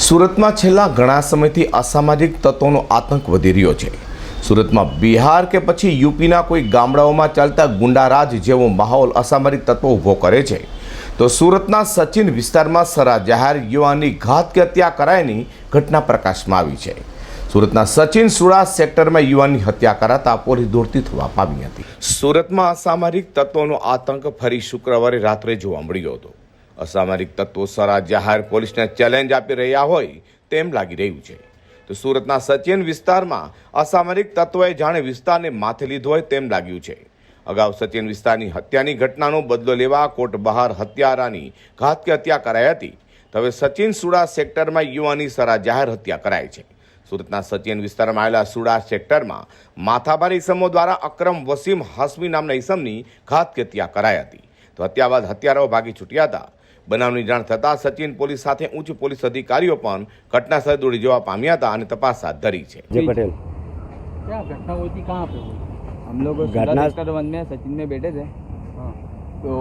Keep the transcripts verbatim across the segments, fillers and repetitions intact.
સુરતમાં છેલ્લા ઘણા સમયથી અસામાજિક તત્વોનો આતંક વધી રહ્યો છે। સુરતમાં બિહાર કે પછી યુપીના કોઈ ગામડાઓમાં ચાલતા ગુંડારાજ જેવો માહોલ અસામાજિક તત્વો ઊભો કરે છે, તો સુરતના સચિન વિસ્તારમાં સરા જાહેર યુવાનની ઘાત કે હત્યા કરાયાની ઘટના પ્રકાશમાં આવી છે। સુરતના સચિન સુડા સેક્ટરમાં યુવાનની હત્યા કરાતા પોલીસ દોડતી થવા પામી હતી। સુરતમાં અસામાજિક તત્વોનો આતંક ફરી શુક્રવારે રાત્રે જોવા મળ્યો હતો। અસામાજિક તત્વો સરા જાહેર પોલીસને ચેલેન્જ આપી રહ્યા હોય તેમ લાગી રહ્યું છે। તો સુરતના સચિન વિસ્તારમાં અસામાજિક તત્વોએ જાણે વિસ્તારને માથે લીધો હોય તેમ લાગ્યું છે। અગાઉ સચિન વિસ્તારની હત્યાની ઘટનાનો બદલો લેવા કોર્ટ બહાર હત્યારાની ઘાત કે હત્યા કરાઈ હતી, તો હવે સચિન સુડા સેક્ટરમાં યુવાની સરા જાહેર હત્યા કરાઈ છે। સુરતના સચિન વિસ્તારમાં આવેલા સુડા સેક્ટરમાં માથાભારી ઇસમો દ્વારા અકરમ વસીમ હાસમી નામના ઇસમની ઘાત કે હત્યા કરાઈ હતી। તો હત્યા બાદ હત્યારાઓ ભાગી છૂટ્યા હતા। બનાવની જાણ થતાં સચિન પોલીસ સાથે ઉચ્ચ પોલીસ અધિકારીઓ પણ ઘટના સ્થળે દોડી જવા પામ્યા હતા અને તપાસ હાથ ધરી છે। जय पटेल, क्या घटना हुई थी, कहाँ पे हुई? हम लोग घटना- सेक्टर वन में सचिन में बैठे थे, हाँ तो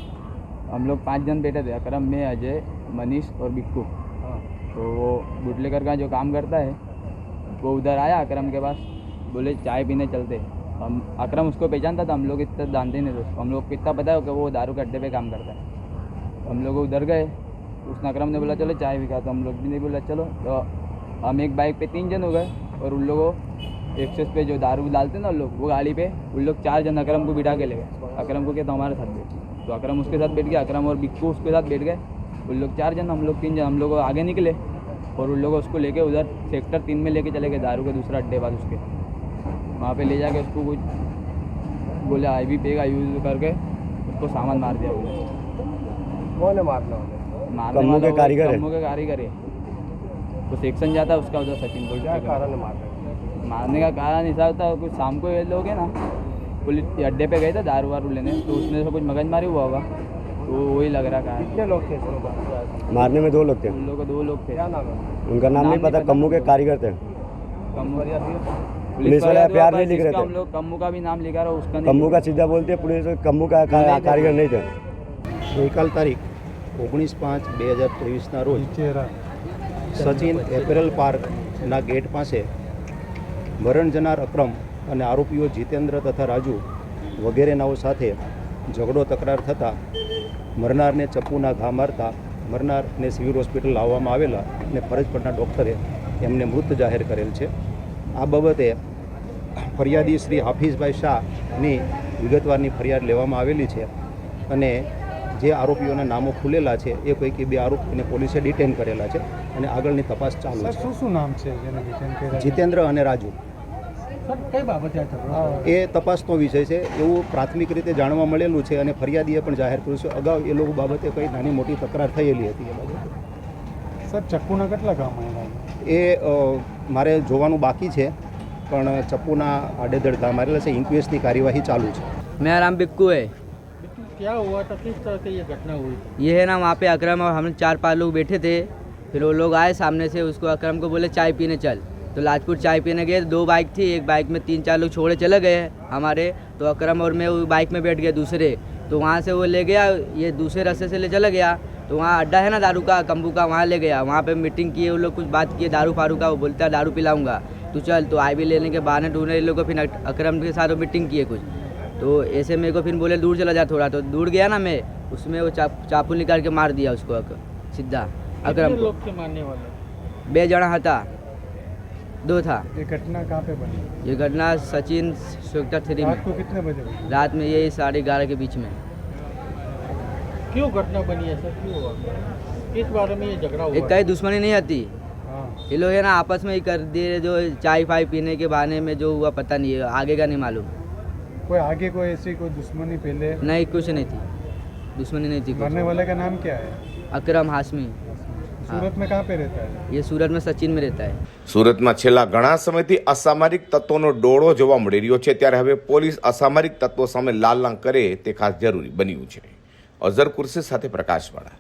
हम लोग पांच जन बैठे थे, अकरम में अजय मनीष और बिक्कू। हाँ तो वो बुटलेकर का जो काम करता है वो उधर आया अकरम के पास, बोले चाय पीने चलते। हम अकरम उसको पहचानता था, हम लोग इतना जानते नहीं थे उसको, हम लोग को इतना पता है कि वो दारू के अड्डे पे काम करता है। हम लोग उधर गए, उसने अकरम ने बोला चलो चाय भी खा, तो हम लोग भी नहीं बोला चलो। तो हम एक बाइक पे तीन जन हो गए और उन लोगों एक्सेस पे जो दारू डालते ना लोग, वो गाड़ी पे उन लोग चार जन अकरम को बिठा के ले गए। अकरम को कहता हमारे साथ बैठ, तो अकरम उसके साथ बैठ गया, अकरम और बिक्कू उसके साथ बैठ गए। उन लोग चार जन, हम लोग तीन जन, हम लोग आगे निकले और उन लोगों उसको लेके उधर सेक्टर तीन में लेके चले गए, दारू के दूसरा अड्डे बाद उसके वहाँ पे ले जाके उसको कुछ बोले आई भी पेगा यूज करके उसको सामान मार दिया। बोले कौन है मारना वाले? मारने कम्मू वाला के वो कारीगर है। कम्मू के कारीगर है, तो सेक्शन जाता है उसका उधर सचिन को क्या कारण है मारने? मारने का कारण ऐसा होता है, कुछ शाम को ये लोग है ना पुलिस अड्डे पे गए थे दारू वारू लेने, तो उसमें से कुछ मगजमारी हुआ होगा, तो वही लग रहा कारण। कितने लोग थे इसमें बात? मारने में दो लोग थे, उन लोग को दो लोग थे, क्या नाम है? उनका नाम नाम नहीं पता। नहीं पता। कम्मू के कारीगर थे। कम्मू फरियाद हुई? पुलिस वाले वाले प्यार तो नहीं लिख रहे जिसका थे। हम लोग कम्मू का भी नाम लिखा रहा उसका नहीं कम्मू का सीधा बोलते हैं, पुलिस कम्मू का का- नहीं थे। कारीगर नहीं थे। ગઈકાલ તારીખ ઓગણીસ પાંચ બે હજાર ત્રેવીસના રોજ સચિન એપેરલ પાર્કના ગેટ પાસે મરણ જનાર અક્રમ અને આરોપીઓ જીતેન્દ્ર તથા રાજુ વગેરેનાઓ સાથે ઝઘડો તકરાર થતાં મરનારને ચપ્પુના ઘા મારતા મરનારને સિવિલ હોસ્પિટલ લાવવામાં આવેલા અને ફરજ પરના ડૉક્ટરે એમને મૃત જાહેર કરેલ છે। આ બાબતે ફરિયાદી શ્રી હાફિઝભાઈ શાહની વિગતવારની ફરિયાદ લેવામાં આવેલી છે અને જે આરોપીઓના નામો ખુલેલા છે એ પૈકી બે આરોપીને પોલીસે ડિટેન કરેલા છે અને આગળની તપાસ ચાલુ સર છે। શું શું નામ છે જેને ડિટેન કર્યા? જીતેન્દ્ર અને રાજુ સર કઈ બાબતે આ ઝઘડો થયો? એ તપાસનો વિષય છે એવું પ્રાથમિક રીતે જાણવા મળેલું છે અને ફરિયાદીએ પણ જાહેર કર્યું છે। અગાઉ એ લોકો બાબતે કંઈ નાની મોટી તકરાર થયેલી હતી એ બાબતે। સર ચક્કુના કેટલા કામ આવ્યા? એ અ, મારે જોવાનું બાકી છે, પણ ચપ્પુના આડેધડ ઘા મારેલા છે। ઇન્ક્વેસ્ટની કાર્યવાહી ચાલુ છે। मेरा नाम बिक्कू है। क्या हुआ था, किस तरह से ये घटना हुई? ये है ना वहाँ पे अकरम और हम चार पांच लोग बैठे थे, फिर वो लोग आए सामने से, उसको अकरम को बोले चाय पीने चल, तो लाजपुर चाय पीने गए। दो बाइक थी, एक बाइक में तीन चार लोग छोड़े चले गए हमारे, तो अकरम और मैं वो बाइक में बैठ गए दूसरे, तो वहाँ से वो ले गया, ये दूसरे रास्ते से ले चला गया, तो वहाँ अड्डा है ना दारू का कम्बू का, वहाँ ले गया। वहाँ पे मीटिंग किए वो लोग, कुछ बात किए दारू फारू का, वो बोलता है दारू पिलाऊंगा तो चल, तो आई भी लेने के बहाने ढूंढने लोग को, फिर अकरम के साथ वो मीटिंग किए कुछ, तो ऐसे मेरे को फिर बोले दूर चला जा थोड़ा, तो दूर गया ना मैं, उसमें वो चा, चाकू निकाल के मार दिया उसको अक, सीधा अकरम को। लोग थे मारने वाले? बे जना था, दो था। ये घटना कहाँ पे बनी? ये घटना सचिन सेक्टर थ्री रात में, को कितने बजे हुई? रात में यही साढ़े ग्यारह के बीच में। क्यों घटना बनी है सर, क्यों हुआ? किस बारे में ये झगड़ा हुआ? एक कहीं दुश्मनी नहीं आती, हाँ ये लोग है ना आपस में ही कर दिए, जो चाय फाय पीने के बहाने में जो हुआ पता नहीं है, आगे का नहीं मालूम। कोई आगे कोई ऐसी कोई दुश्मनी पहले? नहीं कुछ नहीं थी, दुश्मनी नहीं थी कुछ। मरने वाले का नाम क्या है? अकरम हाशमी, सूरत में कहाँ पे रहता है? ये सूरत में सचिन में रहता है। સુરતમાં છેલ્લા ઘણા સમયથી અસામાજિક તત્વોનો ડોળો જોવા મળી રહ્યો છે, ત્યારે હવે પોલીસ અસામાજિક તત્વો સામે લાલ લાંગ કરે તે ખાસ જરૂરી બન્યું છે। અઝર કુર્સી સાથે પ્રકાશવાળા।